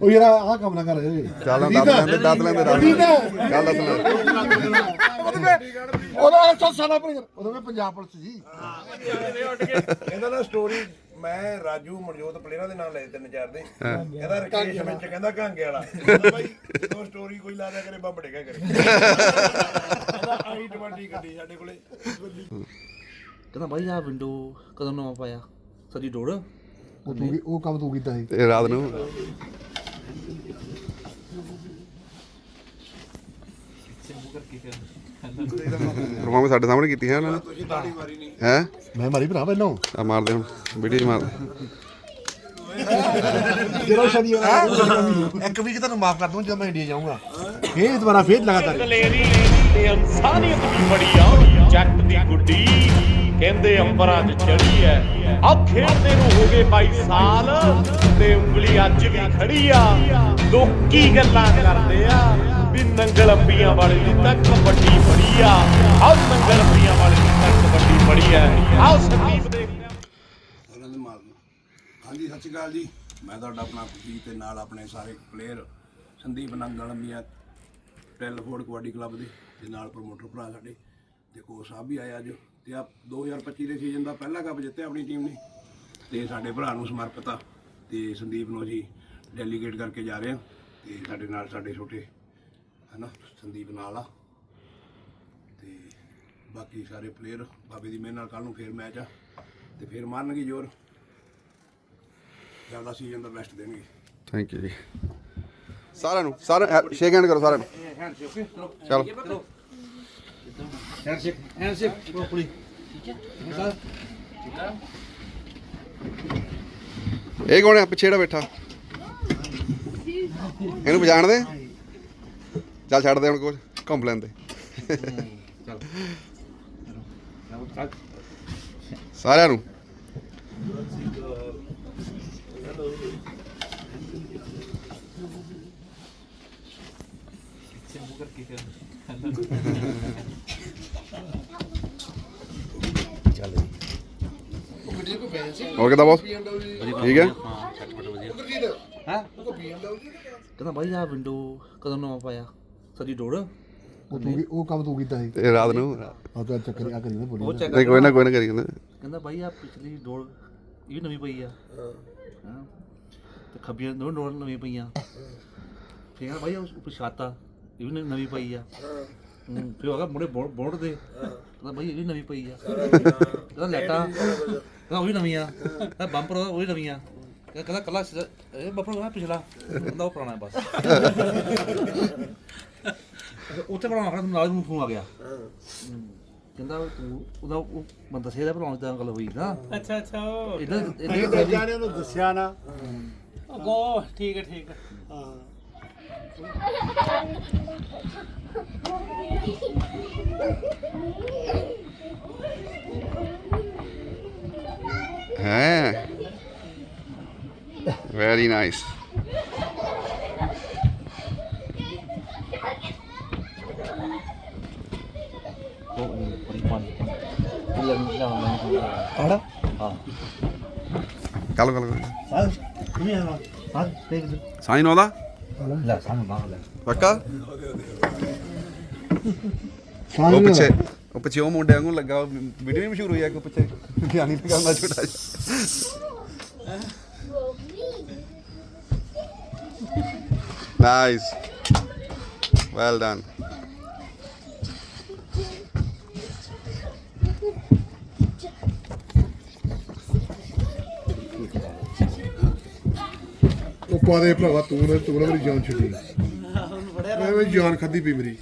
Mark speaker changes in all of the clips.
Speaker 1: ਉਹ ਯਾਰ ਆਹ ਕੰਮ ਨਾ ਕਰ
Speaker 2: ਚੱਲ ਦੱਸ ਲੈਂਦੇ ਗੱਲ ਦੱਸ ਲੈ
Speaker 1: ਉਹਦਾ ਚੱਲ ਸਾਡਾ ਉਦੋਂ ਮੈਂ ਪੰਜਾਬ ਪੁਲਿਸ ਜੀ
Speaker 3: ਕਹਿੰਦਾ ਨਾ ਸਟੋਰੀ ਮੈਂ ਰਾਜੂ ਮਨਜੋਤ ਪਲੇਅਰਾਂ ਦੇ ਨਾਂ ਲਏ 3-4 ਦੇ ਕਹਿੰਦਾ ਰਕੇਸ਼ ਵਿੱਚ ਕਹਿੰਦਾ ਘਾਂਗੇ ਵਾਲਾ ਕਹਿੰਦਾ ਬਾਈ ਜਦੋਂ ਸਟੋਰੀ ਕੋਈ ਲਾ ਦਿਆ ਕਰੇ ਬੰਬ ਡੇਗਾ ਕਰੇ ਕਹਿੰਦਾ i20 ਗੱਡੀ ਸਾਡੇ ਕੋਲੇ
Speaker 4: ਕਹਿੰਦਾ ਬਾਈ ਆ ਵਿੰਡੋ ਕਦੋਂ ਨਵਾਂ ਪਾਇਆ ਸੱਜੀ ਡੋੜ
Speaker 1: ਉਹ ਕੰਮ ਤੂੰ ਕੀਤਾ ਸੀ
Speaker 2: ਤੇ ਰਾਤ ਨੂੰ ਪਰਫਾਰਮੈਂਸ ਸਾਡੇ ਸਾਹਮਣੇ ਕੀਤੀ ਹੈ ਉਹਨਾਂ ਨੇ
Speaker 3: ਤੁਸੀਂ ਤਾੜੀ ਮਾਰੀ ਨਹੀਂ
Speaker 2: ਹੈ
Speaker 1: ਮੈਂ ਮਾਰੀ ਭਰਾ ਪਹਿਲਾਂ
Speaker 2: ਆ ਮਾਰਦੇ ਹੁਣ ਵੀਡੀਓ 'ਚ ਮਾਰਦੇ
Speaker 1: ਜਦੋਂ ਸ਼ਨੀਵਾਰ ਇੱਕ ਵੀਕ ਤੁਹਾਨੂੰ ਮਾਫ ਕਰ ਦੂੰ ਜਦੋਂ ਮੈਂ ਇੰਡੀਆ ਜਾਊਂਗਾ ਫੇਰ ਦੁਬਾਰਾ ਫੇਰ ਲਗਾਤਾਰ
Speaker 5: ਦਲੇਰੀ ਤੇ ਇਨਸਾਨੀਅਤ ਵੀ ਬੜੀ ਆ ਜੱਟ ਦੀ ਗੁੱਡੀ ਕਹਿੰਦੇ ਅੰਬਰਾਂ 'ਚ ਚੜੀ ਐ ਆ ਖੇਡਦੇ ਨੂੰ ਹੋ ਗਏ 22 ਸਾਲ ਤੇ ਉਂਗਲੀ ਅੱਜ ਵੀ ਖੜੀ ਆ ਲੋਕੀ ਗੱਲਾਂ ਕਰਦੇ ਆ ਵੀ ਨੰਗਲ ਅੰਬੀਆਂ ਵਾਲੇ ਦੀ ਤਾਂ ਕਬੱਡੀ ਬੜੀ ਆ ਆਹ ਨੰਗਲ ਅੰਬੀਆਂ ਵਾਲੇ ਦੀ ਤਾਂ ਕਬੱਡੀ ਬੜੀ ਐ ਆਹ ਸੰਦੀਪ ਦੇ
Speaker 3: ਉਹਨਾਂ ਦੇ ਮਾਰਨ ਹਾਂਜੀ ਸਤਿ ਸ਼੍ਰੀ ਅਕਾਲ ਜੀ ਮੈਂ ਤੁਹਾਡਾ ਆਪਣਾ ਖੁਸ਼ੀ ਤੇ ਨਾਲ ਆਪਣੇ ਸਾਰੇ ਪਲੇਅਰ ਸੰਦੀਪ ਨੰਗਲ ਅੰਬੀਆਂ ਟੈਲਫੋਰਡ ਕਬੱਡੀ ਕਲੱਬ ਦੇ ਨਾਲ ਪ੍ਰਮੋਟਰ ਭਰਾ ਸਾਡੇ ਤੇ ਕੋਚ ਸਾਹਿਬ ਵੀ ਆਏ ਅੱਜ ਤੇ ਆ 2025 ਦੇ ਸੀਜ਼ਨ ਦਾ ਪਹਿਲਾ ਕੱਪ ਜਿੱਤਿਆ ਆਪਣੀ ਟੀਮ ਨੇ ਤੇ ਸਾਡੇ ਭਰਾ ਨੂੰ ਸਮਰਪਿਤ ਆ ਤੇ ਸੰਦੀਪ ਨੂੰ ਅਸੀਂ ਡੈਲੀਗੇਟ ਕਰਕੇ ਜਾ ਰਹੇ ਹਾਂ ਤੇ ਸਾਡੇ ਨਾਲ ਸਾਡੇ ਛੋਟੇ ਹਨਾ ਸੰਦੀਪ ਨਾਲ ਆ ਤੇ ਬਾਕੀ ਸਾਰੇ ਪਲੇਅਰ ਬਾਬੇ ਦੀ ਮਿਹਰ ਨਾਲ ਕੱਲ ਨੂੰ ਫੇਰ ਮੈਚ ਆ ਤੇ ਫੇਰ ਮਾਰਨਗੇ ਜ਼ੋਰ ਜ਼ਿਆਦਾ ਸੀਜ਼ਨ ਦਾ ਬੈਸਟ ਦੇਣਗੇ
Speaker 2: ਥੈਂਕ ਯੂ ਜੀ ਸਾਰਿਆਂ ਨੂੰ ਸ਼ੇਕ ਹੈਂਡ ਕਰੋ ਸਾਰਿਆਂ ਨੂੰ ਚਲੋ
Speaker 4: ਹੈਂਡਸ਼ੇਕ ਪੁਲੀ
Speaker 2: ਇਹ ਕੌਣ ਹੈ ਪਿੱਛੇ ਜਿਹੜਾ ਬੈਠਾ ਇਹਨੂੰ ਪਛਾਣ ਦੇ ਚੱਲ ਛੱਡ ਦੇ ਹੁਣ ਕੁਝ ਘੁੰਮ ਲੈਂਦੇ ਸਾਰਿਆਂ ਨੂੰ ਹੋਰ ਕਿਦਾਂ ਬੋਸ ਠੀਕ ਹੈ
Speaker 4: ਹਾਂ ਕਹਿੰਦਾ ਬਾਈ ਆ ਵਿੰਡੋ ਕਦੋਂ ਨਵਾਂ ਪਾਇਆ ਸੱਜੀ ਡੋੜ
Speaker 1: ਉਹ ਕੰਮ ਤੂੰ ਕੀਤਾ ਸੀ
Speaker 2: ਤੇ ਰਾਤ ਨੂੰ
Speaker 1: ਆ ਤਾਂ ਚੱਕਰ ਆ ਕਰੀ ਨਾ ਬੋਲੀ
Speaker 2: ਨਹੀਂ ਕੋਈ ਨਾ ਕਰੀ ਜਾਂਦਾ
Speaker 4: ਕਹਿੰਦਾ ਬਾਈ ਆ ਪਿਛਲੀ ਡੋੜ ਇਹ ਵੀ ਨਵੀਂ ਪਈ ਆ ਹਾਂ ਤੇ ਖੱਬੀ ਡੋੜ ਨਵੀਂ ਪਈਆਂ ਫਿਰ ਕਹਿੰਦਾ ਬਾਈ ਉਹ ਛਾਤਾ ਇਹ ਵੀ ਨਵੀਂ ਪਈ ਆ ਫਿਰ ਉਹ ਮੁੰਡੇ ਬੋੜ ਦੇ ਕਹਿੰਦਾ ਬਾਈ ਇਹ ਵੀ ਨਵੀਂ ਪਈ ਆ ਕਹਿੰਦਾ ਲੈਟਾਂ ਕਹਿੰਦਾ ਉਹ ਵੀ ਨਵੀਂ ਆ ਕਹਿੰਦਾ ਬੰਪਰ ਉਹ ਵੀ ਨਵੀਂ ਆ ਕਹਿੰਦਾ ਕੱਲਾ ਇਹ ਬੰਪਰ ਆ ਪਿਛਲਾ ਕਹਿੰਦਾ ਉਹ ਪੁਰਾਣਾ ਬਸ ਉੱਥੇ ਬਣਾਉਣਾ ਖੜਾ ਨਾਲ ਨੂੰ ਫੋਨ ਆ ਗਿਆ ਕਹਿੰਦਾ ਤੂੰ ਉਹਦਾ ਉਹ ਮੈਂ ਦੱਸਿਆ ਭਰਾ ਦਾ ਗੱਲ ਹੋਈ ਨਾ
Speaker 6: ਅੱਛਾ
Speaker 1: ਇਹ ਜਾਣੇ ਨੂੰ ਦੱਸਿਆ ਨਾ
Speaker 6: ਗੋ ਠੀਕ ਹੈ
Speaker 1: ਹਾਂ
Speaker 2: ਹੈ ਵੈਰੀ ਨਾਈਸ
Speaker 1: ਆੜਾ
Speaker 2: ਕੱਲ
Speaker 1: ਸਾਹ ਨਹੀਂ ਆਵਾ ਸਾਹ ਦੇਖ
Speaker 2: ਸਾਈ ਨੋ ਦਾ
Speaker 4: ਲੈ ਸਾਨੂੰ ਬਾਹਰ ਲੈ
Speaker 2: ਪੱਕਾ ਉਹ ਪਿੱਛੇ ਉਹ ਮੁੰਡਿਆਂ ਨੂੰ ਲੱਗਾ ਵੀਡੀਓ ਵੀ ਮਸ਼ਹੂਰ ਹੋਈ ਆ ਕਿ ਪਿੱਛੇ ਗਿਆਨੀ ਦਾ ਕਰਨਾ ਛੋਟਾ ਜਿਹਾ ਨਾਈਸ ਵੈਲ ਡਨ
Speaker 1: ਉਹ ਪਾਦੇ ਭਰਾਵਾ ਤੂੰ ਨਾ ਮੇਰੀ ਜਾਨ ਛੱਡੀ ਮੈਂ ਵੀ ਜਾਨ ਖਾਦੀ ਪਈ ਮੇਰੀ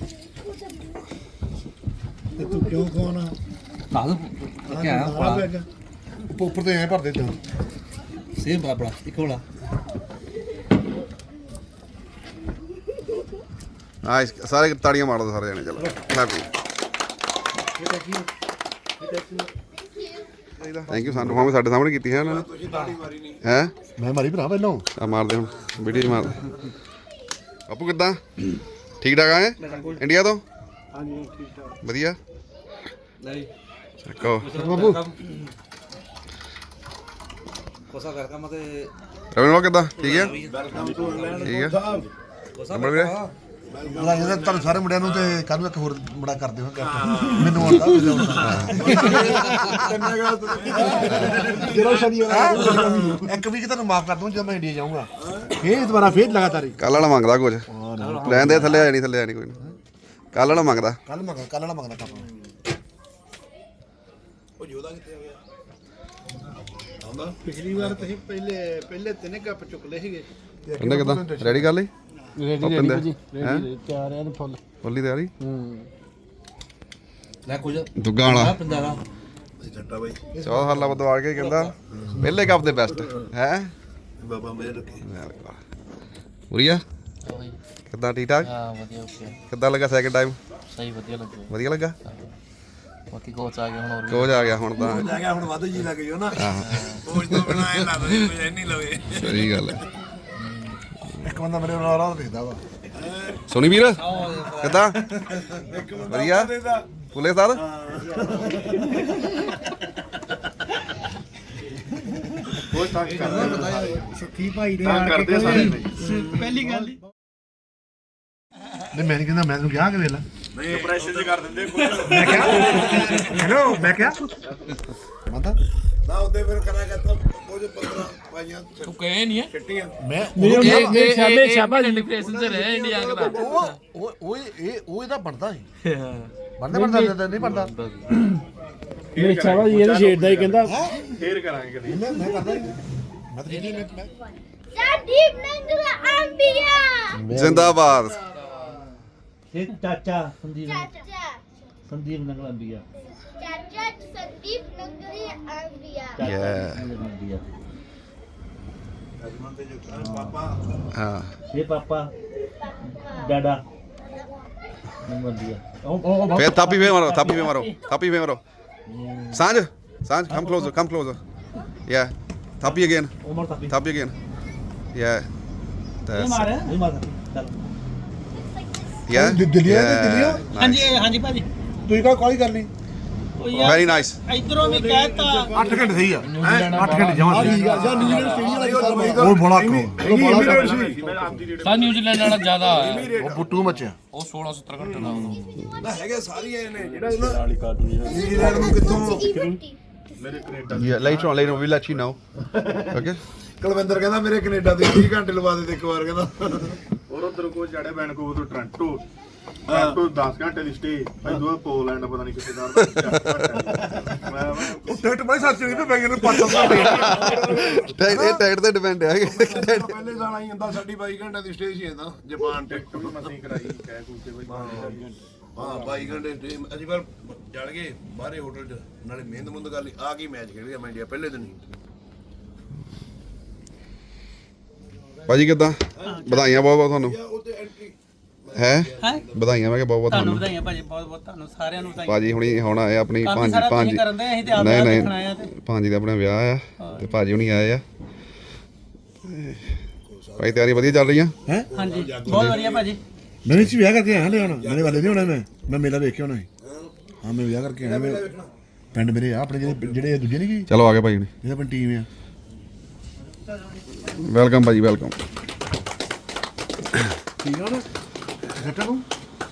Speaker 1: ਤੇ ਤੂੰ ਕਿਉਂ ਖਾਣਾ
Speaker 4: ਨਾਲ ਕੀ ਆ
Speaker 1: ਉੱਪਰ ਤੇ ਐ ਭਰ ਦੇ ਤਾਂ
Speaker 4: ਸੇਮ ਬਰਾਬਰ ਇੱਕ ਹੋਲਾ
Speaker 2: ਨਾਈਸ ਸਾਰੇ ਤਾੜੀਆਂ ਮਾਰ ਦੋ ਸਾਰੇ ਜਣੇ ਚਲੋ ਹੈਪੀ ਥੈਂਕ ਯੂ ਸਾਨੂੰ ਪਰਫਾਰਮੈਂਸ ਸਾਡੇ ਸਾਹਮਣੇ ਕੀਤੀ ਹੈ ਉਹਨਾਂ ਨੇ
Speaker 3: ਤੁਸੀਂ ਤਾੜੀ ਮਾਰੀ ਨਹੀਂ
Speaker 2: ਹੈ
Speaker 1: ਮੈਂ ਮਾਰੀ ਭਰਾ ਪਹਿਲਾਂ
Speaker 2: ਆ ਮਾਰਦੇ ਹੁਣ ਵੀਡੀਓ 'ਚ ਮਾਰਦੇ ਬਾਪੂ ਕਿੱਦਾਂ ਠੀਕ ਠਾਕ ਆਏ ਇੰਡੀਆ ਤੋਂ
Speaker 1: ਹਾਂਜੀ ਠੀਕ ਠਾਕ
Speaker 2: ਵਧੀਆ
Speaker 4: ਲੈ
Speaker 2: ਚੱਕੋ
Speaker 1: ਬਾਬੂ
Speaker 4: ਕੋਸਾ ਕਰ ਕੰਮ ਤੇ
Speaker 2: ਰਵਿੰਦਰ ਕਿੱਦਾਂ ਠੀਕ ਹੈ
Speaker 3: ਵੈਲਕਮ ਟੂ ਇੰਗਲੈਂਡ
Speaker 2: ਠੀਕ ਹੈ
Speaker 4: ਕੋਸਾ
Speaker 2: ਨੰਬਰ ਵੀਰੇ
Speaker 1: ਬਧਾਈਆਂ ਤਾਂ ਤੁਹਾਨੂੰ ਸਾਰੇ ਮੁੰਡਿਆਂ ਨੂੰ ਤੇ ਕੱਲ ਨੂੰ ਇੱਕ ਹੋਰ ਮੁੰਡਾ ਕਰਦੇ ਹੋ ਮੈਨੂੰ ਆਉਂਦਾ ਜਿਹੜਾ ਸ਼ਨੀਵਾਰ ਇੱਕ ਵੀਕ ਤੁਹਾਨੂੰ ਮਾਫ ਕਰ ਦੂੰ ਜਦੋਂ ਮੈਂ ਇੰਡੀਆ ਜਾਊਂਗਾ ਫੇਰ ਦੁਬਾਰਾ ਫੇਰ ਲਗਾਤਾਰ
Speaker 2: ਕੱਲ ਵਾਲਾ ਮੰਗਦਾ ਕੁਝ ਲੈਣ ਦੇ ਥੱਲੇ ਆ ਨਹੀਂ ਥੱਲੇ ਆ ਨਹੀਂ ਕੋਈ ਨਾ ਕੱਲ ਵਾਲਾ ਮੰਗਦਾ
Speaker 1: ਕੱਲ ਵਾਲਾ ਮੰਗਦਾ ਕੰਮ
Speaker 3: ਉਹ ਜੋਦਾ ਕਿੱਥੇ ਆ ਗਿਆ ਆਉਂਦਾ
Speaker 7: ਪਿਛਲੀ ਵਾਰ ਤੁਸੀਂ ਪਹਿਲੇ ਤਿੰਨ ਕੱਪ ਚੁੱਕ ਲਏ ਸੀਗੇ
Speaker 2: ਕਹਿੰਦੇ ਕਿੱਦਾਂ ਰੈਡੀ ਕਰ ਲਈ
Speaker 7: ਰੈਡੀ
Speaker 2: ਰੈਡੀ
Speaker 7: ਤਿਆਰ ਆ ਫੁੱਲ
Speaker 2: ਬੋਲੀ ਤਿਆਰੀ
Speaker 4: ਲੈ ਕੁਝ
Speaker 2: ਦੁੱਗਾ ਵਾਲਾ
Speaker 4: ਪੰਜਾਰਾ
Speaker 3: ਛੱਟਾ ਬਾਈ
Speaker 2: 14 ਸਾਲਾਂ ਬਾਅਦ ਆ ਕੇ ਕਹਿੰਦਾ ਪਹਿਲੇ ਕੱਪ ਦੇ ਬੈਸਟ ਹੈ
Speaker 3: ਬਾਬਾ ਮੇਰੇ ਰੱਖੇ
Speaker 2: ਉਰੀਆ ਕਿੱਦਾਂ ਠੀਕ ਠਾਕ
Speaker 6: ਹਾਂ ਵਧੀਆ ਓਕੇ
Speaker 2: ਕਿੱਦਾਂ ਲੱਗਾ ਸੈਕਿੰਡ ਟਾਈਮ
Speaker 6: ਸਹੀ ਵਧੀਆ ਲੱਗਿਆ
Speaker 2: ਵਧੀਆ ਲੱਗਾ
Speaker 6: ਬਾਕੀ ਕੋਚ ਆ ਗਿਆ ਹੁਣ ਹੋਰ
Speaker 2: ਕੋਚ ਆ ਗਿਆ ਹੁਣ ਤਾਂ
Speaker 3: ਜਾ ਗਿਆ ਹੁਣ ਵੱਧ ਜੀ ਲੱਗ ਗਿਓ ਨਾ ਕੋਚ ਤੋਂ ਬਿਨਾ ਇਹ ਲੱਗਦਾ ਜੀ ਕੋਈ ਨਹੀਂ ਲਵੇ
Speaker 2: ਸਹੀ ਗੱਲ ਹੈ
Speaker 1: ਇੱਕ ਬੰਦਾ ਮੇਰੇ ਨਾਲ ਰਾਹ ਦੇਖਦਾ ਵਾ
Speaker 2: ਸੋਨੀ ਵੀਰ ਕਿੱਦਾਂ ਵਧੀਆ ਪੁਲੇ ਸਰ
Speaker 7: ਸੱਖੀ ਭਾਈ ਦੇ ਆ ਕੇ ਪਹਿਲੀ ਗੱਲ ਹੀ
Speaker 1: ਨਹੀਂ ਮੈਂ ਨਹੀਂ ਕਹਿੰਦਾ ਮੈਂ ਤੈਨੂੰ ਕਿਹਾ ਕਿ ਵੇਲਾ
Speaker 3: ਨਹੀਂ ਪ੍ਰੈਸ਼ਰ ਚ ਕਰ ਦਿੰਦੇ
Speaker 1: ਮੈਂ ਕਿਹਾ ਹੈਲੋ ਮੈਂ ਕਿਹਾ ਮਾਤਾ
Speaker 3: ਨਾ ਉਹਦੇ ਫਿਰ ਕਰਾ ਕਰਤਾ ਕੁਝ 15 ਪਾਈਆਂ ਤੂੰ ਕਹੇ ਨਹੀਂ ਹੈ ਛੱਟੀਆਂ
Speaker 1: ਮੈਂ
Speaker 7: ਇਹ ਸ਼ਾਬੇ ਸ਼ਾਬਾਸ਼
Speaker 6: ਡਿਪਰੈਸ਼ਨ ਚ ਰਹਿ ਇੰਡੀਆ ਦਾ
Speaker 1: ਉਹ ਇਹਦਾ ਬਣਦਾ ਸੀ ਬਣਦਾ ਨਹੀਂ ਬਣਦਾ
Speaker 7: ਇਹ ਸ਼ਾਬਾਸ਼ ਇਹ ਤਾਂ ਛੇੜਦਾ ਹੀ ਕਹਿੰਦਾ
Speaker 3: ਫੇਰ ਕਰਾਂਗੇ ਕਦੀ
Speaker 1: ਮੈਂ ਕਰਦਾ ਨਹੀਂ ਮੈਂ ਤਾਂ ਨਹੀਂ ਮੈਂ
Speaker 8: Sandeep Nandula Ambia.
Speaker 2: ਜ਼ਿੰਦਾਬਾਦ
Speaker 4: ਇਹ ਚਾਚਾ Sandeep
Speaker 8: Chacha.
Speaker 4: Sandeep Nangal ਅੰਬੀਆ
Speaker 8: Chacha Sandeep Nandula Ambia.
Speaker 4: ਅੰਬੀਆ
Speaker 2: ਹਾਂ
Speaker 4: ਇਹ ਪਾਪਾ ਡਾਡਾ ਨੰਗਲ ਅੰਬੀਆ ਉਹ
Speaker 2: ਫੇਰ ਥਾਪੀ ਫੇ ਮਾਰੋ ਸਾਂਝ come closer yeah ਥਾਪੀ again
Speaker 4: ਉਮਰ ਤੱਕ
Speaker 2: ਥਾਪੀ again yeah that's
Speaker 4: ਇਹ ਮਾਰ ਚੱਲ
Speaker 2: yeah
Speaker 1: ਦਿੱਲੀਓ
Speaker 2: nice.
Speaker 6: ਹਾਂਜੀ ਹਾਂਜੀ ਭਾਜੀ
Speaker 1: ਤੁਸੀਂ ਕਾ ਕਾਲ ਕਰਨੀ
Speaker 6: ਉਹ ਯਾਰ
Speaker 2: very nice
Speaker 6: ਇਧਰੋਂ ਵੀ ਕਹਿਤਾ
Speaker 1: 8 ਘੰਟੇ ਸਹੀ ਆ 8 ਘੰਟੇ ਜਮਾ ਸਹੀ ਆ ਜਾਂ ਨਿਊਜ਼ੀਲੈਂਡ ਸਟੇਡੀਅਮ ਵਾਲਾ ਉਹ ਬੜਾ
Speaker 6: ਸਾ ਨਿਊਜ਼ੀਲੈਂਡ ਵਾਲਾ ਜ਼ਿਆਦਾ
Speaker 1: ਉਹ ਬੁੱਟੂ ਮੱਚਿਆ
Speaker 6: ਉਹ 16 17 ਘੰਟੇ ਦਾ ਉਦੋਂ
Speaker 3: ਨਾ ਹੈਗੇ ਸਾਰੀਆਂ ਨੇ ਜਿਹੜਾ ਨਿਊਜ਼ੀਲੈਂਡ ਨੂੰ ਕਿੱਥੋਂ
Speaker 2: yeah later on we'll let you know okay
Speaker 3: Kulwinder ਕਹਿੰਦਾ ਮੇਰੇ ਕੈਨੇਡਾ ਦੇ 20 ਘੰਟੇ ਲਵਾ ਦੇ ਇੱਕ ਵਾਰ ਕਹਿੰਦਾ
Speaker 9: ਔਰ ਉਧਰ ਕੋ ਚੜਿਆ ਵੈਨਕੂਵਰ ਤੋਂ ਟੋਰਾਂਟੋ 10 ਘੰਟੇ ਦੀ ਸਟੇ ਭਾਈ ਦੂਆ ਪੋਲੈਂਡ ਪਤਾ ਨਹੀਂ ਕਿੱਥੇ ਦਾ
Speaker 1: ਉਹ ਟਿਕਟ ਬੜੀ ਸਸਤੀ ਨਹੀਂ ਪੈ ਗਈ ਨੇ 500 ਰੁਪਏ
Speaker 2: ਇਹ ਟਾਈਟ ਤੇ ਡਿਪੈਂਡ ਹੈ
Speaker 3: ਪਹਿਲੇ ਸਾਲ ਆਈ ਜਾਂਦਾ ਸਾਡੀ 22 ਘੰਟੇ ਦੀ ਸਟੇ ਸੀ ਇਹਦਾ ਜਾਪਾਨ ਤੇ
Speaker 9: ਵੀ ਮਸੀਂ ਕਰਾਈ ਕਹਿ ਕੂਤੇ ਬਾਈ
Speaker 3: ਹਾਂ 22 ਘੰਟੇ ਸਟੇ ਅੱਜ ਕੱਲ ਜਲ ਗਏ ਬਾਹਰੇ ਹੋਟਲ 'ਚ ਨਾਲੇ ਮਿਹਨਤ ਕਰ ਲਈ ਆ ਕੀ ਮੈਚ ਖੇਡ ਗਿਆ ਮੈਂ ਇੰਡੀਆ ਪਹਿਲੇ ਦਿਨ ਹੀ
Speaker 2: ਭਾਜੀ ਕਿੱਦਾਂ ਵਧਾਈਆਂ ਬਹੁਤ ਬਹੁਤ ਤੁਹਾਨੂੰ
Speaker 3: ਉੱਤੇ ਐਂਟਰੀ
Speaker 2: ਹੈ ਵਧਾਈਆਂ ਮੈਂ ਕਿ ਬਹੁਤ ਬਹੁਤ
Speaker 6: ਤੁਹਾਨੂੰ
Speaker 2: ਤੁਹਾਨੂੰ
Speaker 6: ਵਧਾਈਆਂ ਭਾਜੀ ਬਹੁਤ ਬਹੁਤ ਤੁਹਾਨੂੰ ਸਾਰਿਆਂ ਨੂੰ ਵਧਾਈਆਂ
Speaker 2: ਭਾਜੀ ਹੁਣੀ ਹੁਣ ਆਏ ਆਪਣੀ
Speaker 6: ਕਾਫੀ
Speaker 2: ਭਾਂਜੀ
Speaker 6: ਸਾਰਾ
Speaker 2: ਭਾਂਜੀ
Speaker 6: ਤੁਸੀਂ ਕਰਨ ਦੇ ਅਸੀਂ ਤੇ ਆਪ
Speaker 2: ਨਹੀਂ
Speaker 6: ਦੇਖਣ ਆਏ ਆ
Speaker 2: ਨਹੀਂ
Speaker 6: ਤੇ
Speaker 2: ਭਾਂਜੀ ਦਾ ਆਪਣਾ ਵਿਆਹ ਆ ਤੇ ਭਾਜੀ ਹੁਣੀ ਆਏ ਆ ਭਾਈ ਤਿਆਰੀ ਵਧੀਆ ਚੱਲ ਰਹੀ ਆ
Speaker 6: ਹਾਂਜੀ ਬਹੁਤ ਵਧੀਆ ਭਾਜੀ
Speaker 1: ਮੈਂ ਵੀ ਵਿਆਹ ਕਰਕੇ ਆਇਆ ਹਲੇ ਹੁਣ ਮੇਰੇ ਵਾਲੇ ਨਹੀਂ ਹੋਣਾ ਮੈਂ ਮੇਲਾ ਵੇਖ ਕੇ ਆਉਣਾ ਸੀ ਹਾਂ ਮੈਂ ਵਿਆਹ ਕਰਕੇ ਆਇਆ ਮੈਂ ਪਿੰਡ ਮੇਰੇ ਆ ਆਪਣੇ ਜਿਹੜੇ ਦੂਜੇ ਨਹੀਂ ਕੀ
Speaker 2: ਚਲੋ ਆ ਗਏ ਭਾਈ ਹੁਣੀ
Speaker 1: ਜਿਹੜਾ ਆਪਣੀ ਟੀਮ ਆ
Speaker 2: ਵੈਲਕਮ ਭਾਜੀ ਵੈਲਕਮ
Speaker 1: ਠੀਕ ਆ ਨਾ ਘਟਾ ਨੂੰ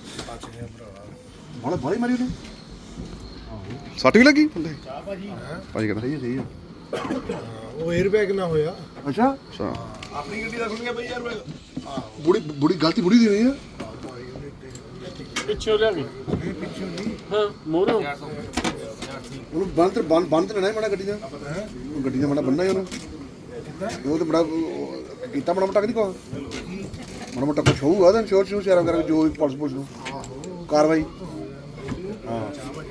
Speaker 1: ਬੜਾ ਬੜੀ ਮਾਰੀ ਉਹਨੇ
Speaker 2: ਸੱਟ ਵੀ ਲੱਗੀ ਭਾਜੀ ਕਹਿੰਦਾ
Speaker 1: ਸਹੀ ਆ
Speaker 7: ਉਹ 에ਅਰ ਬੈਗ ਨਾ ਹੋਇਆ
Speaker 1: ਅੱਛਾ
Speaker 2: ਅੱਛਾ
Speaker 3: ਆਪਣੀ ਗੱਡੀ ਦਾ ਖੁੱਲ ਗਿਆ ਬਈ ਯਾਰ
Speaker 1: ਬੁੜੀ ਗਲਤੀ ਬੁੜੀ ਦੀ ਹੋਈ ਆ
Speaker 6: ਪਿੱਛੋਂ ਲਿਆ ਗਈ ਹਾਂ ਮੋਰੋ
Speaker 1: ਉਹਨੂੰ ਬੰਦ ਤੇ ਲੈਣਾ ਹੀ ਮਾੜਾ ਗੱਡੀ ਦਾ ਉਹ ਗੱਡੀ ਦਾ ਮਾੜਾ ਬੰਨਣਾ ਹੀ ਉਹਨੂੰ ਉਹ ਤੇ ਬੜਾ ਕੀਤਾ ਮਾੜਾ ਮੋਟਾ ਕਿ ਨਹੀਂ ਕੋ ਮਾੜਾ ਮੋਟਾ ਕੁਛ ਹੋਊਗਾ ਤਾਂ ਸ਼ੋਰ ਸ਼ੇਅਰ ਕਰਕੇ ਜੋ ਵੀ ਪੁਲਿਸ ਨੂੰ ਕਾਰਵਾਈ ਹਾਂ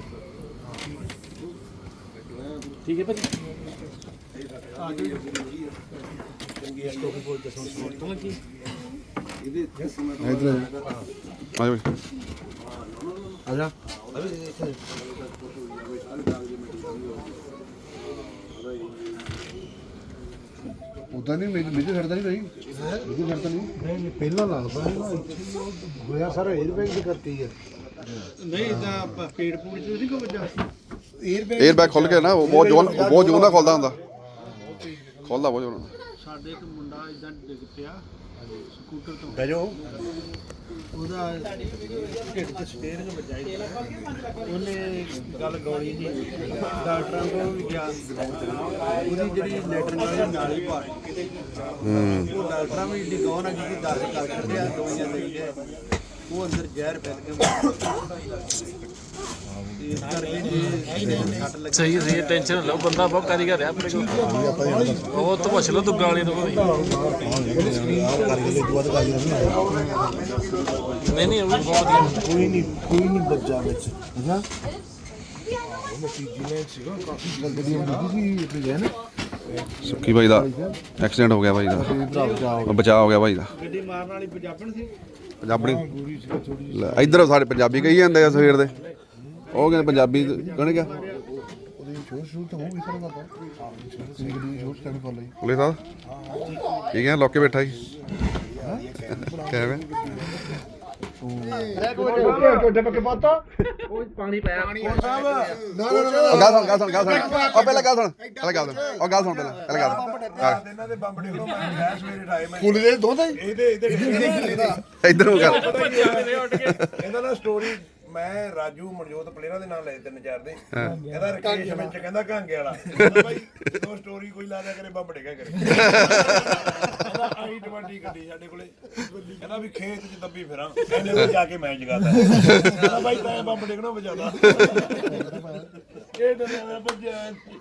Speaker 6: ਠੀਕ ਹੈ ਭਾਜੀ
Speaker 2: ਇਧਰ ਆ ਜਾ
Speaker 1: ਆ ਜਾ ਉਦਾਂ ਨਹੀਂ ਮੇਜਰ ਛੱਡਦਾ ਨਹੀਂ ਭਾਈ ਮੇਜਰ ਛੱਡਦਾ ਨਹੀਂ
Speaker 7: ਪਹਿਲਾਂ ਲੱਗਦਾ ਹੋਇਆ ਸਾਰਾ 에ਅਰ ਬੈਗ ਦੀ ਕਰਤੀ ਹੈ ਨਹੀਂ ਤਾਂ ਪੇੜ ਪੂੜ ਚ ਨਹੀਂ ਕੋ ਵੱਜਾ 에ਅਰ ਬੈਗ
Speaker 2: 에ਅਰ ਬੈਗ ਖੁੱਲ ਗਿਆ ਨਾ ਉਹ ਬਹੁਤ ਜ਼ੋਰ ਨਾਲ ਖੁੱਲਦਾ ਹੁੰਦਾ ਖੋਲਦਾ ਬਹੁਤ ਉਹਨਾਂ
Speaker 7: ਸਾਡੇ ਇੱਕ ਮੁੰਡਾ ਇਦਾਂ ਡਿੱਗ ਪਿਆ ਸਕੂਟਰ ਤੋਂ
Speaker 3: ਬਹਿ ਜਾਓ
Speaker 7: ਉਹਦਾ ਢਿੱਡ 'ਚ ਸਟੇਅਰਿੰਗ ਵੱਜਾਈ ਉਹਨੇ ਗੱਲ ਗੋਲੀ ਨਹੀਂ ਡਾਕਟਰਾਂ ਕੋਲ ਵੀ ਗਿਆ ਉਹਦੀ ਜਿਹੜੀ ਲੈਟਰਿੰਗ ਵਾਲੀ ਨਾਲੀ ਭਰ ਉਹ ਡਾਕਟਰਾਂ ਵੀ ਏਡੀ ਗੌਰ ਨਾਲ ਕੀਤੀ ਦਰਦ ਕਰ ਕੱਢਿਆ ਦਵਾਈਆਂ ਦੇ ਗਏ ਉਹ ਅੰਦਰ ਜ਼ਹਿਰ ਫੈਲ ਗਿਆ ਇਸ ਕਰਕੇ
Speaker 6: ਸਹੀ ਸਹੀ ਟੈਨਸ਼ਨ ਨਾ ਲਓ ਬੰਦਾ ਬਹੁਤ ਕਾਰੀਗਰ ਆ ਆਪਣੇ ਕੋਲ ਉਹ ਤਾਂ ਪੁੱਛ ਲਓ ਦੁੱਗਾ ਵਾਲੇ ਤੋਂ ਕੋਈ ਨਹੀਂ ਉਹ ਵੀ ਬਹੁਤ ਵਧੀਆ
Speaker 7: ਕੋਈ ਨਹੀਂ ਬੱਜਾ ਵਿੱਚ ਹੈਨਾ
Speaker 2: ਸੁੱਕੀ ਬਾਈ ਦਾ ਐਕਸੀਡੈਂਟ ਹੋ ਗਿਆ ਬਾਈ ਦਾ ਬਚਾਅ ਹੋ ਗਿਆ ਬਾਈ ਦਾ
Speaker 7: ਗੱਡੀ ਮਾਰਨ ਵਾਲੀ ਪੰਜਾਬਣ ਸੀ
Speaker 2: ਪੰਜਾਬੀ ਲੈ, ਇੱਧਰ ਸਾਡੇ ਪੰਜਾਬੀ ਕਹੀ ਜਾਂਦੇ ਆ ਸਵੇਰ ਦੇ ਉਹ ਕਹਿੰਦੇ ਪੰਜਾਬੀ ਕਹਣੇ ਕਿਆ ਪੁਲਿਸ ਸਾਹਿਬ ਠੀਕ ਹੈ ਲੋਕੇ ਬੈਠਾ ਜੀ ਕਿਵੇਂ
Speaker 6: ਪਾਣੀ ਪਾਇਆ
Speaker 2: ਗੱਲ ਸੁਣ ਉਹ ਪਹਿਲਾਂ ਗੱਲ ਸੁਣ ਉਹ ਗੱਲ ਸੁਣ ਪਹਿਲਾਂ
Speaker 3: ਇਹਨਾਂ ਦੇ ਬੰਬ ਡਿੱਗਣੋਂ ਮੈਂ ਗਿਆ ਸਵੇਰੇ ਠਾਏ ਮੈਂ
Speaker 1: ਕੁੜੀ ਦੇ ਦੋਂਦੇ
Speaker 3: ਇਹਦੇ
Speaker 2: ਇੱਧਰ ਨੂੰ ਗੱਲ
Speaker 3: ਇਹਦਾ ਨਾ ਸਟੋਰੀ ਮੈਂ ਰਾਜੂ ਮਨਜੋਤ ਪਲੇਅਰਾਂ ਦੇ ਨਾਲ ਲਏ 3-4 ਦੇ ਇਹਦਾ ਰਕੇਸ਼ ਵਿੱਚ ਕਹਿੰਦਾ ਘਾਂਗੇ ਵਾਲਾ ਬਾਈ ਉਹ ਸਟੋਰੀ ਕੋਈ ਲਾ ਦਿਆ ਕਰੇ ਬੰਬ ਡਿੱਗਾ ਕਰੇ ਇਹਦਾ i20 ਗੱਡੀ ਸਾਡੇ ਕੋਲੇ ਕਹਿੰਦਾ ਵੀ ਖੇਤ 'ਚ ਦੱਬੀ ਫਿਰਾਂ ਇਹਨੇ ਤਾਂ ਜਾ ਕੇ ਮੈਂ ਜਗਾਤਾ ਕਹਿੰਦਾ ਬਾਈ ਤਾਂ ਬੰਬ ਡਿੱਗਣਾ ਵਜਾਦਾ ਇਹ ਡਰਿਆ ਭੱਜਿਆ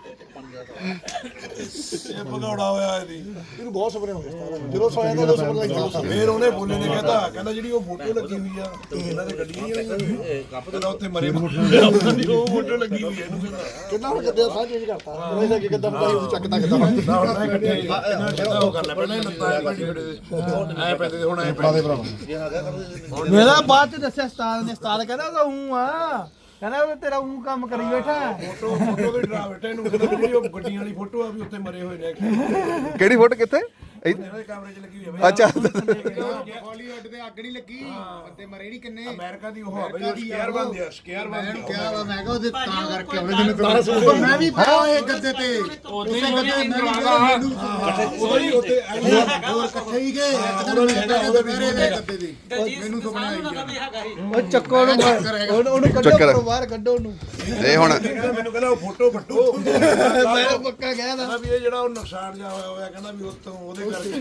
Speaker 3: ਇਹ ਭਗੌੜਾ ਹੋਇਆ ਇਹਨੂੰ ਬਹੁਤ ਸੁਪਨੇ ਹੋ ਗਏ ਜਦੋਂ ਸੋਇਆ ਤਾਂ ਸੁਪਨੇ ਲੱਗਦਾ ਫਿਰ ਉਹਨੇ ਬੋਲੇ ਨੇ ਕਹਿੰਦਾ ਜਿਹੜੀ ਉਹ ਫੋਟੋ ਲੱਗੀ ਹੋਈ ਆ ਇਹਨਾਂ ਦੇ ਗੱਡੀ ਨਹੀਂ ਕਹਿੰਦਾ ਉੱਥੇ ਮਰੇ ਉਹ ਫੋਟੋ ਲੱਗੀ ਹੋਈ ਆ ਇਹਨੂੰ
Speaker 1: ਕਿੰਨਾ ਹੁਣ ਗੱਦੇ ਸਾਹ ਚੇਂਜ ਕਰਤਾ ਉਹਨੇ ਕਿ ਕਿੱਦਾਂ ਪਤਾ ਉਹ ਚੱਕਦਾ ਕਿੱਦਾਂ
Speaker 3: ਨਾ ਹੁਣ ਮੈਂ ਇਕੱਠੇ ਇਹਨਾਂ ਸਿੱਧਾ ਉਹ ਕਰ ਲੈ ਪਹਿਲਾਂ ਹੀ ਲੱਤਾਂ ਐ ਭਾਜੀ ਖੜੇ ਐ ਪੈਂਦੇ ਤੇ ਹੁਣ ਐ ਪੈਂਦੇ
Speaker 7: ਮੇਰਾ ਬਾਅਦ ਚ ਦੱਸਿਆ ਉਸਤਾਦ ਨੇ ਉਸਤਾਦ ਕਹਿੰਦਾ ਉਹ ਹੂੰ ਆ ਕਹਿੰਦਾ ਉਹ ਤੇਰਾ ਹੂੰ ਕੰਮ ਕਰੀ ਬੈਠਾ
Speaker 3: ਫੋਟੋ ਦੇ ਡਰਾ ਬੈਠੇ ਇਹਨੂੰ ਕਹਿੰਦਾ ਜਿਹੜੀ ਉਹ ਗੱਡੀਆਂ ਵਾਲੀ ਫੋਟੋ ਆ ਵੀ ਉੱਥੇ ਮਰੇ ਹੋਏ ਨੇ
Speaker 2: ਕਿਹੜੀ ਫੋਟੋ ਕਿੱਥੇ
Speaker 3: ਇਹਨਾਂ ਦੇ ਕੈਮਰੇ 'ਚ ਲੱਗੀ ਹੋਈ ਆ
Speaker 2: ਅੱਛਾ
Speaker 7: ਹਾਲੀਵੁੱਡ ਤੇ ਅੱਗ ਨਹੀਂ ਲੱਗੀ ਬੰਦੇ ਮਰੇ ਨਹੀਂ ਕਿੰਨੇ
Speaker 3: ਅਮਰੀਕਾ ਦੀ ਉਹ ਆ ਬਈ ਸਕੇਅਰ ਬਣਦੇ ਆ ਸਕੇਅਰ ਬਣਦੇ
Speaker 7: ਕਿਹਾ ਵਾ ਮੈਂ ਕਿਹਾ ਉਹਦੇ ਤਾਂ ਕਰਕੇ ਉਹਨੇ ਜਿਹਨੇ ਮੈਂ ਵੀ ਪਾਇਆ ਇਹ ਗੱਦੇ ਤੇ ਉਸੇ ਗੱਦੇ ਮੈਂ ਵੀ ਮੈਨੂੰ
Speaker 3: ਉਹੀ ਉੱਤੇ
Speaker 7: ਹੋਰ ਇਕੱਠੇ ਹੀ ਗਏ ਇੱਕ ਦਿਨ ਮੈਂ ਦੁਪਹਿਰੇ ਦੇ ਗੱਦੇ ਦੀ ਮੈਨੂੰ ਸੁਪਨਾ ਆਈ ਉਹ ਚੱਕੋ ਉਹਨੂੰ ਕੱਢੋ ਬਾਹਰ ਕੱਢੋ ਉਹਨੂੰ
Speaker 2: ਇਹ ਹੁਣ
Speaker 3: ਮੈਨੂੰ ਕਹਿੰਦਾ ਉਹ ਫੋਟੋ ਫੱਟੋ
Speaker 7: ਮੈਂ ਪੱਕਾ ਗਿਆ ਨਾ
Speaker 3: ਵੀ ਇਹ ਜਿਹੜਾ ਉਹ ਨੁਕਸਾਨ ਜਾ ਹੋਇਆ ਕਹਿੰਦਾ ਵੀ ਉੱਤੋਂ ਉਹਦੇ ਕਰਕੇ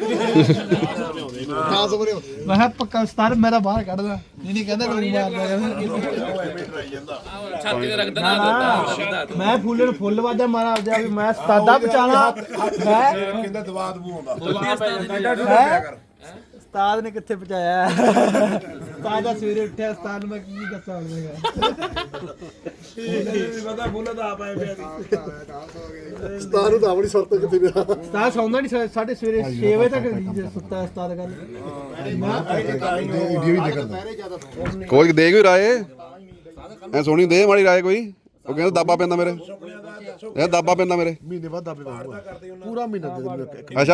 Speaker 7: ਮੈਂ ਕਿਹਾ ਪੱਕਾ ਉਸਤਾਦ ਮੇਰਾ ਬਾਹਰ ਕੱਢਦਾ ਨਹੀਂ ਕਹਿੰਦਾ ਕੋਈ ਮਾਰਦਾ ਮੈਂ ਫੁੱਲ ਨੂੰ ਫੁੱਲ ਵਾਜਾ ਮਾਰਾ ਆਪਦੇ ਵੀ ਮੈਂ ਉਸਤਾਦਾ ਬਚਾਣਾ ਮੈਂ
Speaker 3: ਕਹਿੰਦਾ ਦਵਾ ਦਬੂ ਆਉਂਦਾ
Speaker 7: ਉਸਤਾਦ ਨੇ ਕਿੱਥੇ ਪਹੁੰਚਾਇਆ ਉਸਤਾਦ ਦਾ ਸਵੇਰੇ ਉੱਠਿਆ ਉਸਤਾਦ ਨੂੰ ਮੈਂ ਕੀ ਦੱਸਾਂ ਹੁਣ ਮੈਂ
Speaker 3: ਪਤਾ ਬੋਲਾ ਤਾਂ ਆਪ ਆਏ ਪਿਆ ਸੀ
Speaker 1: ਸਤਾਰ ਨੂੰ ਤਾਂ ਆਪਣੀ ਸੁਰਤ ਕਿੱਥੇ ਪਿਆ
Speaker 7: ਉਸਤਾਦ ਸੌਂਦਾ ਨਹੀਂ ਸਾਡੇ ਸਵੇਰੇ 6 ਵਜੇ ਤੱਕ ਸੁੱਤਾ ਉਸਤਾਦ ਗੱਲ
Speaker 1: ਵੀਡੀਓ ਵੀ ਦੇਖਦਾ
Speaker 2: ਕੋਈ ਦੇ ਕੋਈ ਰਾਏ ਐ ਸੋਹਣੀ ਦੇ ਮਾੜੀ ਰਾਏ ਕੋਈ ਉਹ ਕਹਿੰਦਾ ਦਾਬਾ ਪੈਂਦਾ ਮੇਰੇ ਇਹ ਦਾਬਾ ਪੈਂਦਾ ਮੇਰੇ
Speaker 1: ਮਹੀਨੇ ਬਾਅਦ ਦਾਬੇ ਪਾਉਂਗਾ ਪੂਰਾ ਮਹੀਨਾ ਦੇ ਦਿੰਦੇ
Speaker 2: ਅੱਛਾ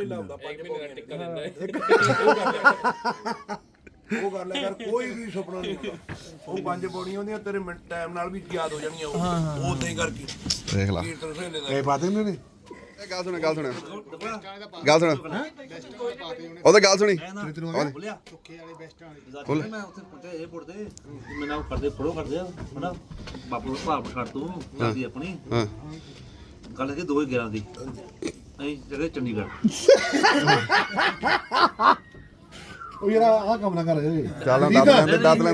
Speaker 3: ਉਹ ਕਰ ਲੈ ਕਰ ਕੋਈ ਵੀ ਸੁਪਨਾ ਨਹੀਂ ਉਹ 5 ਪੌੜੀਆਂ ਹੁੰਦੀਆਂ ਤੇਰੇ ਮਿੰਟ ਟਾਈਮ ਨਾਲ ਵੀ ਯਾਦ ਹੋ ਜਾਣੀਆਂ ਉਹ ਉਦਾਂ ਹੀ ਕਰਕੇ
Speaker 2: ਦੇਖ ਲਾ
Speaker 3: ਕੀਰਤਨ ਸਹੇਲੇ ਦਾ
Speaker 1: ਇਹ ਪਾ ਦਿੰਦੇ ਨੇ
Speaker 2: ਗੱਲ ਸੁਣ ਉਹ ਤਾਂ ਗੱਲ ਸੁਣੀ
Speaker 4: ਬੋਲਿਆ
Speaker 2: ਖੋਲ
Speaker 4: ਮੈਂ ਉੱਥੇ ਪੁੱਛਿਆ ਇਹ ਪੁੱਟਦੇ ਮੈਨੂੰ ਕਰਦੇ ਫੜੋ ਕਰਦੇ ਆ ਹਨਾ ਬਾਪੂ ਨੂੰ ਭਾਪ ਛੱਡ ਤੂੰ ਦਾਦੀ ਆਪਣੀ
Speaker 2: ਹਾਂ
Speaker 4: ਗੱਲ ਹੈ 2011 ਦੀ ਅਸੀਂ ਜਗ੍ਹਾ ਚੰਡੀਗੜ੍ਹ
Speaker 1: ਉਹ ਯਾਰ ਆਹ ਕੰਮ ਨਾ ਕਰ
Speaker 2: ਚੱਲ ਦੱਸ ਲੈਂਦੇ ਗੱਲ ਦੱਸ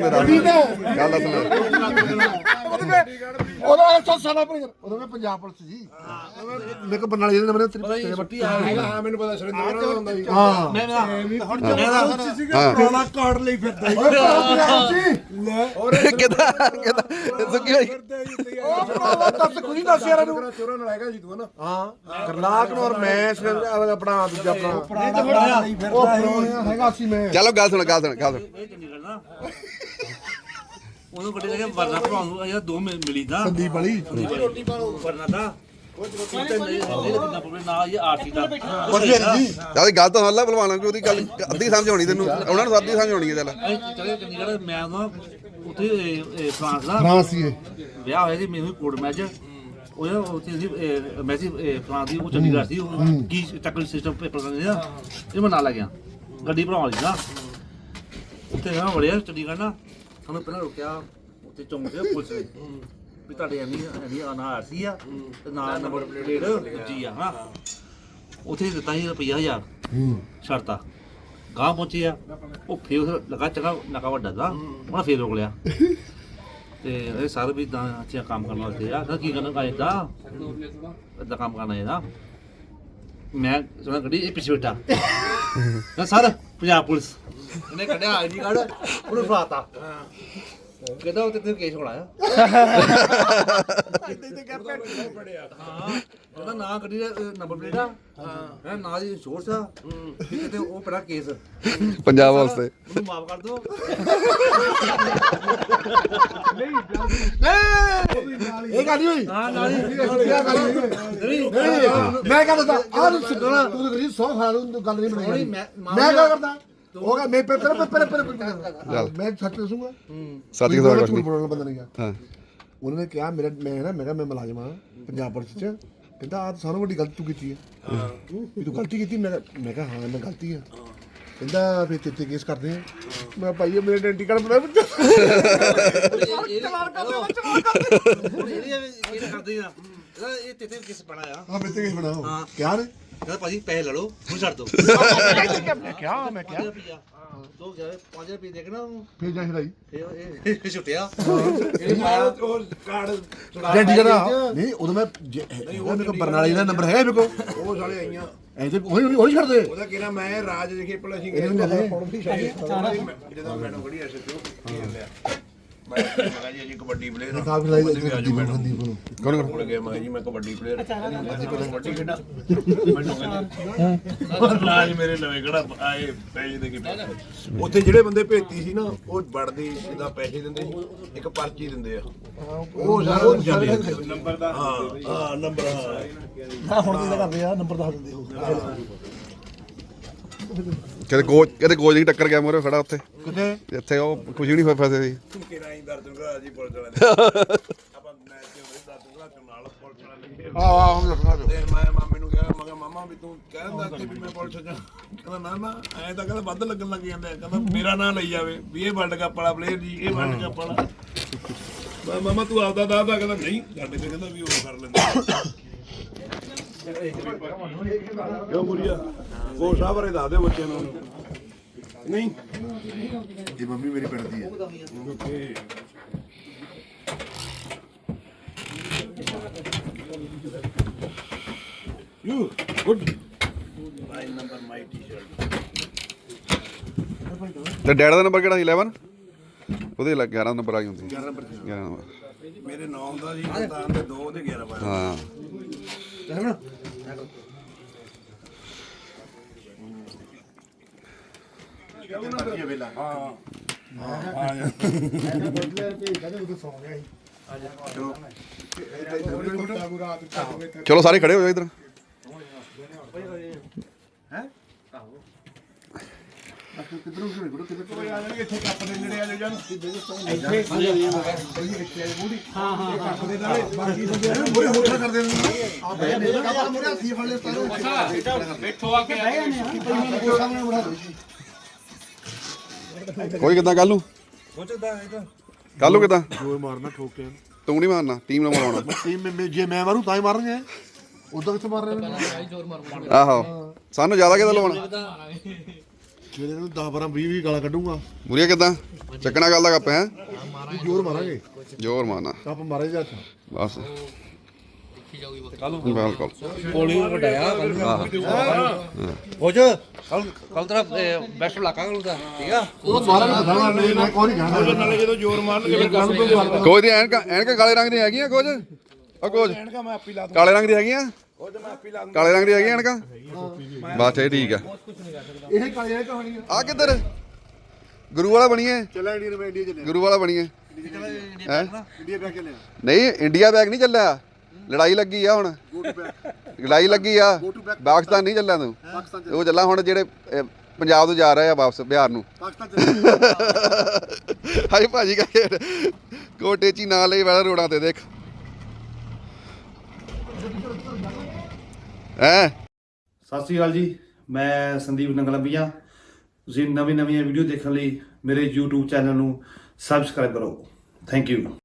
Speaker 2: ਲੈ
Speaker 1: ਉਹਦਾ 100 ਸਾਲਾ ਉਹਦਾ ਮੈਂ ਪੰਜਾਬ ਪੁਲਿਸ ਜੀ ਮੇਰੇ ਕੋ ਬਰਨਾਲੇ ਜਿਹੜੇ ਨੰਬਰ ਤੇਰੇ ਬੱਟੀ
Speaker 3: ਹਾਂ ਮੈਨੂੰ ਪਤਾ ਸੁਰਿੰਦਰ ਦਾ ਹੁੰਦਾ ਸੀ
Speaker 1: ਹਾਂ
Speaker 3: ਪੁਰਾਣਾ ਕਾਰਡ ਲਈ ਫਿਰਦਾ
Speaker 2: ਕਿਦਾਂ ਸੁੱਕੀ ਹੋਈ
Speaker 1: ਉਹ ਭਰਾਵਾ ਦੱਸ ਕੋਈ ਦੱਸ ਯਾਰ ਇਹਨੂੰ
Speaker 3: ਚੋਰਾਂ ਨਾਲ ਹੈਗਾ ਸੀ ਤੂੰ ਹਨਾ
Speaker 1: ਹਾਂ ਕਰਨਾਕ ਨੂੰ ਔਰ ਮੈਂ ਆਪਣਾ ਦੂਜਾ ਆਪਣਾ ਉਹ ਹੈਗਾ ਸੀ ਮੈਂ
Speaker 2: ਚਲੋ ਗੱਲ ਸੁਣ
Speaker 4: ਇਹ ਚੰਡੀਗੜ੍ਹ ਨਾ ਉਹਨੂੰ ਕੱਢੇ ਜਾ ਕੇ ਵਰਨਾ ਭਰਾਉਂ ਨੂੰ ਇਹ ਦੋ ਮਿਲੀ ਦਾ
Speaker 1: ਸੰਦੀਪ ਵਾਲੀ
Speaker 4: ਰੋਟੀ ਪਾਓ ਵਰਨਾ ਦਾ ਨਾ ਇਹ ਆਰਟੀ ਦਾ
Speaker 2: ਚੱਲ ਗੱਲ ਤਾਂ ਸੁਣ ਲੈ ਭਲਵਾਨਾਂ ਕਿ ਉਹਦੀ ਗੱਲ ਅੱਧੀ ਸਮਝ ਆਉਣੀ ਤੈਨੂੰ ਉਹਨਾਂ ਨੂੰ ਅੱਧੀ ਸਮਝ ਆਉਣੀ ਹੈ ਚੱਲ
Speaker 4: ਚਲੇ ਚੰਡੀਗੜ੍ਹ ਮੈਂ ਨਾ ਉੱਥੇ ਫਰਾਂਸ ਦਾ
Speaker 1: ਫਰਾਂਸ ਹੀ
Speaker 4: ਵਿਆਹ ਹੋਇਆ ਸੀ ਮੈਨੂੰ ਕੋਟ ਮੈਚ ਉਹ ਯਾਰ ਉੱਥੇ ਸੀ ਮੈਸੀ ਫਰਾਂ ਦੀ ਉਹ ਚੰਡੀਗੜ੍ਹ ਸੀ ਉਹ ਕੀ ਟੈਕਨੀਕਲ ਸਿਸਟਮ ਪੇਪਰ ਕਰਦੇ ਨਾ ਇਹ ਮੈਂ ਨਾਲ ਲੈ ਗਿਆ ਗੱਡੀ ਭਰਾਉਣ ਵਾਲੀ ਨਾ ਉੱਥੇ ਨਾ ਵੜਿਆ ਚੰਡੀਗੜ੍ਹ ਨਾ ਸਾਨੂੰ ਪਹਿਲਾਂ ਰੁਕਿਆ ਉੱਥੇ ਚੌਂਕ ਤੇ ਪੁਲਿਸ ਨੇ ਵੀ ਤੁਹਾਡੇ ਐਨੀ ਆਰਸੀ ਆ ਤੇ ਨਾਲ ਨੰਬਰ ਪਲੇਟ ਜੀ ਆ ਹਾਂ ਉੱਥੇ ਦਿੱਤਾ ਸੀ ਰੁਪਈਆ 1000 ਸ਼ਰਤਾ ਗਾਂ ਪਹੁੰਚੇ ਆ ਉਹ ਫੇਰ ਲਗਾ ਚੰਗਾ ਨਕਾ ਵੱਡਾ ਦਾ ਉਹਨਾਂ ਫੇਰ ਰੋਕ ਲਿਆ ਤੇ ਇਹ ਸਾਰੇ ਵੀ ਤਾਂ ਅੱਛਾ ਕੰਮ ਕਰਨ ਵਾਸਤੇ ਆ ਕੀ ਕਰਨਾ ਇਦਾਂ ਕੰਮ ਕਰਨਾ ਇਹਦਾ ਮੈਂ ਸੁਣਾ ਗੱਡੀ ਇਹ ਪਿੱਛੇ ਬੈਠਾ ਨਾ ਸਰ ਪੰਜਾਬ ਪੁਲਿਸ ਇਹਨੇ ਕੱਢਿਆ ਆਈਡੀ ਕਾਰਡ ਉਹਨੂੰ ਫੜਾਤਾ ਕਹਿੰਦਾ ਉਹ ਤੇ ਕੇਸ ਹੋਣਾ ਆ ਕਹਿੰਦਾ ਨਾ ਗੱਡੀ ਦਾ ਨੰਬਰ ਪਲੇਟ ਆ ਹਾਂ ਨਾ ਦੀ ਇੰਸ਼ੋਰੈਂਸ ਆ ਕਿਤੇ ਉਹ ਪੜਾ ਕੇਸ
Speaker 2: ਪੰਜਾਬ ਵਾਸਤੇ
Speaker 4: ਉਹਨੂੰ ਮਾਫ ਕਰ ਦਿਓ
Speaker 1: ਇਹ ਗੱਲ ਨਹੀਂ ਹੋਈ
Speaker 4: ਹਾਂ ਨਾਲ ਹੀ
Speaker 1: ਮੈਂ ਕਹਿੰਦਾ ਆਹ ਨੂੰ ਸੁਣਨਾ ਤੂੰ ਕਰੀ 100 ਖਾਲ ਨੂੰ ਗੱਲ ਨਹੀਂ ਬਣਾਈ ਮੈਂ ਕੀ ਕਰਦਾ ਹੋਗਾ ਮੈਂ ਪਹਿਲੇ ਮੈਂ ਸੱਚ ਦੱਸੂਗਾ
Speaker 2: ਸਾਥੀ ਦਾ ਕੁਝ ਨਹੀਂ
Speaker 1: ਬੋਲਣ ਬੰਦਾ ਨਹੀਂ ਗਿਆ
Speaker 2: ਹਾਂ
Speaker 1: ਉਹਨਾਂ ਨੇ ਕਿਹਾ ਮੈਂ ਕਿਹਾ ਮੈਂ ਮੁਲਾਜ਼ਮ ਹਾਂ ਪੰਜਾਬ ਪੁਲਿਸ ਚ ਕਹਿੰਦਾ ਆਹ ਸਾਨੂੰ ਵੱਡੀ ਗਲਤੀ ਤੂੰ ਕੀਤੀ ਹੈ ਵੀ ਤੂੰ ਗਲਤੀ ਕੀਤੀ ਮੈਂ ਕਿਹਾ ਹਾਂ ਮੈਂ ਗਲਤੀ ਆ ਕਹਿੰਦਾ ਫਿਰ ਤੇਤੇ ਕੇਸ ਕਰਦੇ ਆ ਮੈਂ ਭਾਈ ਮੇਰੇ ਆਇਡੈਂਟੀ ਕਾਰਡ ਬਣਾ
Speaker 4: ਕਰਦੇ ਆ ਇਹ ਤੇ ਕਿਸ ਬਣਾਇਆ
Speaker 1: ਹਾਂ ਮੈਂ ਤੇ ਕੇਸ ਬਣਾਓ ਕਿਆ ਨੇ
Speaker 4: ਕਹਿੰਦਾ ਭਾਜੀ ਪੈਸੇ ਲੈ ਲਓ ਹੁਣ ਛੱਡ ਦਿਓ
Speaker 1: ਮੈਂ ਕਿਹਾ
Speaker 4: 5 ਰੁਪਏ ਦੇ ਕੇ ਨਾ
Speaker 1: ਫਿਰ ਜਾ ਹਿਲਾਈ
Speaker 4: ਇਹ ਛੁੱਟਿਆ
Speaker 1: ਆਇਡੈਂਟੀ ਕਾਰਡ ਨਹੀਂ ਉਦੋਂ ਮੈਂ ਮੇਰੇ ਕੋਲ ਬਰਨਾਲੇ ਦਾ ਨੰਬਰ ਹੈਗਾ ਮੇਰੇ ਕੋਲ
Speaker 3: ਉਹ ਸਾਲੇ ਆਈਆਂ
Speaker 1: ਐ ਤੇ ਉਹੀ ਛੱਡ ਦੇ
Speaker 3: ਉਹਦਾ ਕਿਹੜਾ ਮੈਂ ਰਾਜ ਦੇਖੇ ਭਲਾ ਸੀ
Speaker 1: ਇਹਨੂੰ ਲੈ ਲੈ
Speaker 3: ਜਦੋਂ ਮੈਡਮ ਖੜੀ ਐ ਸੱਚੋ ਮੈਂ ਕਿਹਾ ਜੀ ਕਬੱਡੀ ਪਲੇਅਰ
Speaker 1: ਕਾਫੀ ਲਾਈ ਸੰਦੀਪ ਨੂੰ
Speaker 3: ਕੌਣ ਕੋਲ ਗਿਆ ਮੈਂ ਜੀ ਮੈਂ ਕਬੱਡੀ ਪਲੇਅਰ ਕਬੱਡੀ ਖੇਡਾਂ ਰਾਜ ਮੇਰੇ ਨਵੇਂ ਕਿਹੜਾ ਆਏ ਪੈਸੇ ਦੇ ਕੇ ਉੱਥੇ ਜਿਹੜੇ ਬੰਦੇ ਭੇਤੀ ਸੀ ਨਾ ਉਹ ਵੜਦੇ ਸਿੱਧਾ ਪੈਸੇ ਦਿੰਦੇ ਸੀ ਇੱਕ ਪਰਚੀ ਦਿੰਦੇ ਆ ਉਹ ਸਾਰਾ ਨੰਬਰ ਦਾ ਹਾਂ ਨੰਬਰ
Speaker 1: ਹਾਂ ਹੁਣ ਕੀ ਕਰਦੇ ਆ ਨੰਬਰ ਦੱਸ ਦਿੰਦੇ ਹੋ
Speaker 2: ਕਦੇ ਕੋਚ ਦੀ ਟੱਕਰ ਗਿਆ ਮੋਰੇ ਖੜਾ ਉੱਥੇ
Speaker 1: ਕਿੱਥੇ
Speaker 2: ਇੱਥੇ ਉਹ ਖੁਸ਼ੀ ਨਹੀਂ ਫਸੇ ਸੀ
Speaker 3: ਕਿਹੜਾ ਹੀ ਦਰਦ ਘਰਾ ਜੀ ਪੁਲਿਸ ਵਾਲੇ ਆਪਾਂ ਮੈਚ ਦੇ ਦਰਦ ਘਰਾ ਨਾਲ ਪੁਲਿਸ ਵਾਲੇ ਲੱਗੇ
Speaker 1: ਆਹ ਹੁਣ ਦੱਸਣਾ
Speaker 3: ਤੇ ਮੈਂ ਮਾਮੇ ਨੂੰ ਕਿਹਾ ਮੈਂ ਕਿਹਾ ਮਾਮਾ ਵੀ ਤੂੰ ਕਹਿੰਦਾ ਕਿ ਵੀ ਮੈਂ ਪੁਲਿਸ ਜਾ ਕਹਿੰਦਾ ਨਾ ਐਂ ਤਾਂ ਕਹਿੰਦਾ ਵੱਧ ਲੱਗਣ ਲੱਗ ਜਾਂਦੇ ਕਹਿੰਦਾ ਮੇਰਾ ਨਾਂ ਲਈ ਜਾਵੇ ਵੀ ਇਹ ਵਰਲਡ ਕੱਪ ਵਾਲਾ ਪਲੇਅਰ ਜੀ ਇਹ ਵਰਲਡ ਕੱਪ ਵਾਲਾ ਮੈਂ ਮਾਮਾ ਤੂੰ ਆਪਦਾ ਦੱਸਦਾ ਕਹਿੰਦਾ ਨਹੀਂ ਸਾਡੇ ਤੇ ਕਹਿੰਦਾ ਵੀ ਉਹ ਕਰ ਲੈਂਦਾ ਕਿਉਂ ਬੁਰੀਆ ਉਹ ਸਾਹਬਰੇ ਦੱਸ ਦੇ ਬੱਚਿਆਂ ਨੂੰ ਨਹੀਂ
Speaker 1: ਇਹ ਮੰਮੀ ਮੇਰੀ ਪਿੰਡ ਦੀ ਹੈ
Speaker 3: okay You good. My number, my T-shirt.
Speaker 2: ਤੇ ਡੈਡ ਦਾ ਨੰਬਰ ਕਿਹੜਾ ਸੀ 11 ਉਹਦੇ 11 ਨੰਬਰ ਆ ਗਈ ਹੁੰਦੀ 11 ਨੰਬਰ
Speaker 3: ਮੇਰੇ 9 ਦਾ ਜੀ ਤਾਂ ਦੇ 2 ਦੇ 11 ਪਾਇਆ
Speaker 2: ਹਾਂ ਚਲੋ ਸਾਰੇ ਖੜੇ ਹੋ ਜਾਓ ਇਧਰ
Speaker 1: ਕਿੱਧਰੋਂ ਕਿੱਧਰੋਂ
Speaker 3: ਇੱਥੇ ਕੱਪ ਦੇ ਨੇੜੇ ਆ ਜਾਓ
Speaker 1: ਮੋਰੇ ਮੋਟਰ ਕਰਦੇ ਨੇ ਆ ਬੈਠੇ ਨੇ ਕੱਪ ਮੋਰੇ ਹੱਥੀ ਫੜ ਲੈ
Speaker 5: ਬੈਠੋ ਆ ਕੇ
Speaker 1: ਸਾਹਮਣੇ ਬਣਾ ਦੋ
Speaker 2: ਕੋਈ ਕਿੱਦਾਂ ਕੱਲ ਨੂੰ ਕੱਲ ਨੂੰ ਕਿੱਦਾਂ
Speaker 1: ਜੋਰ ਮਾਰਨਾ ਠੋਕ ਕੇ
Speaker 2: ਤੂੰ ਨਹੀਂ ਮਾਰਨਾ ਟੀਮ ਨਾਲ ਮਾਰਨਾ
Speaker 1: ਟੀਮ ਜੇ ਮੈਂ ਮਾਰੂ ਤਾਂ ਹੀ ਮਾਰਨਗੇ ਉਦੋਂ ਕਿੱਥੇ ਮਾਰ ਰਹੇ ਨੇ
Speaker 2: ਆਹੋ ਸਾਨੂੰ ਜ਼ਿਆਦਾ ਕਿੱਦਾਂ ਲਵਾਉਣਾ
Speaker 1: ਜਿਹੜੇ ਨੂੰ 10 12 20 ਗਾਲਾਂ ਕੱਢੂਗਾ
Speaker 2: ਮੁਰੀਆ ਕਿੱਦਾਂ ਚੱਕਣਾ ਗੱਲ ਦਾ ਕੱਪ ਹੈ
Speaker 1: ਜੋਰ ਮਾਰਾਂਗੇ
Speaker 2: ਜ਼ੋਰ ਮਾਰਨਾ
Speaker 1: ਕੱਪ ਮਾਰੇ ਜਾ
Speaker 2: ਬਸ ਬਿਲਕੁਲ
Speaker 4: ਕੋਲੀ ਵਡਾਇਆ ਕੁਝ ਕੱਲ ਤੇਰਾ ਬੈਸਟ ਇਲਾਕਾ ਕਰੂਗਾ ਠੀਕ ਆ
Speaker 1: ਉਹ ਮਾਰਾਂਗੇ ਬਤਾਵਾਂ ਮੈਂ ਕੋਈ ਨਹੀਂ ਜਾਣਦਾ
Speaker 3: ਨਾਲੇ ਜਦੋਂ ਜ਼ੋਰ ਮਾਰਨਗੇ ਫਿਰ ਗੱਲ
Speaker 2: ਕੋਚ ਦੀ ਐਨਕਾਂ ਕਾਲੇ ਰੰਗ ਦੀਆਂ ਹੈਗੀਆਂ ਕੋਚ ਉਹ ਕੋਚ
Speaker 3: ਐਨਕਾਂ ਮੈਂ ਆਪੀ ਲਾ
Speaker 2: ਕਾਲੇ ਰੰਗ ਦੀ ਹੈਗੀਆਂ
Speaker 3: ਉਹ ਤੇ ਮੈਂ ਆਪੀ ਲਾ
Speaker 2: ਕਾਲੇ ਰੰਗ ਦੀ ਹੈਗੀਆਂ ਐਨਕਾਂ ਬਸ ਇਹ ਠੀਕ ਆ
Speaker 1: ਇਹ ਕਾਲੇ ਕਹਾਣੀ
Speaker 2: ਆ ਕਿੱਧਰ ਗੁਰੂ ਵਾਲਾ ਬਣੀਏ
Speaker 1: ਚੱਲਾਂ ਇੰਡੀਆ ਮੈਂ ਇੰਡੀਆ ਚੱਲਿਆ
Speaker 2: ਗੁਰੂ ਵਾਲਾ ਬਣੀਏ ਹੈ
Speaker 1: ਇੰਡੀਆ ਬੈਕ ਚੱਲਿਆ
Speaker 2: ਨਹੀਂ ਇੰਡੀਆ ਬੈਗ ਨਹੀਂ ਚੱਲਿਆ ਲੜਾਈ ਲੱਗੀ ਆ ਹੁਣ ਲੜਾਈ ਲੱਗੀ ਆ ਪਾਕਿਸਤਾਨ ਨਹੀਂ ਚੱਲਿਆ ਤੂੰ ਉਹ ਚੱਲਾ ਹੁਣ ਜਿਹੜੇ ਪੰਜਾਬ ਤੋਂ ਜਾ ਰਹੇ ਆ ਵਾਪਸ ਬਿਹਾਰ ਨੂੰ
Speaker 1: ਪਾਕਿਸਤਾਨ
Speaker 2: ਹਾਈ ਭਾਜੀ ਕਹੇ ਕੋਟੇ ਚੀ ਨਾ ਲਈ ਵਾਲਾ ਰੋਡਾਂ ਤੇ ਦੇਖ ਹੈ
Speaker 4: ਸਤਿ ਸ਼੍ਰੀ ਅਕਾਲ ਜੀ, ਮੈਂ ਸੰਦੀਪ ਨੰਗਲੰਬੀਆਂ। ਤੁਸੀਂ ਨਵੀਆਂ ਵੀਡੀਓ ਦੇਖਣ ਲਈ ਮੇਰੇ YouTube ਚੈਨਲ ਨੂੰ ਸਬਸਕ੍ਰਾਈਬ ਕਰੋ। Thank you.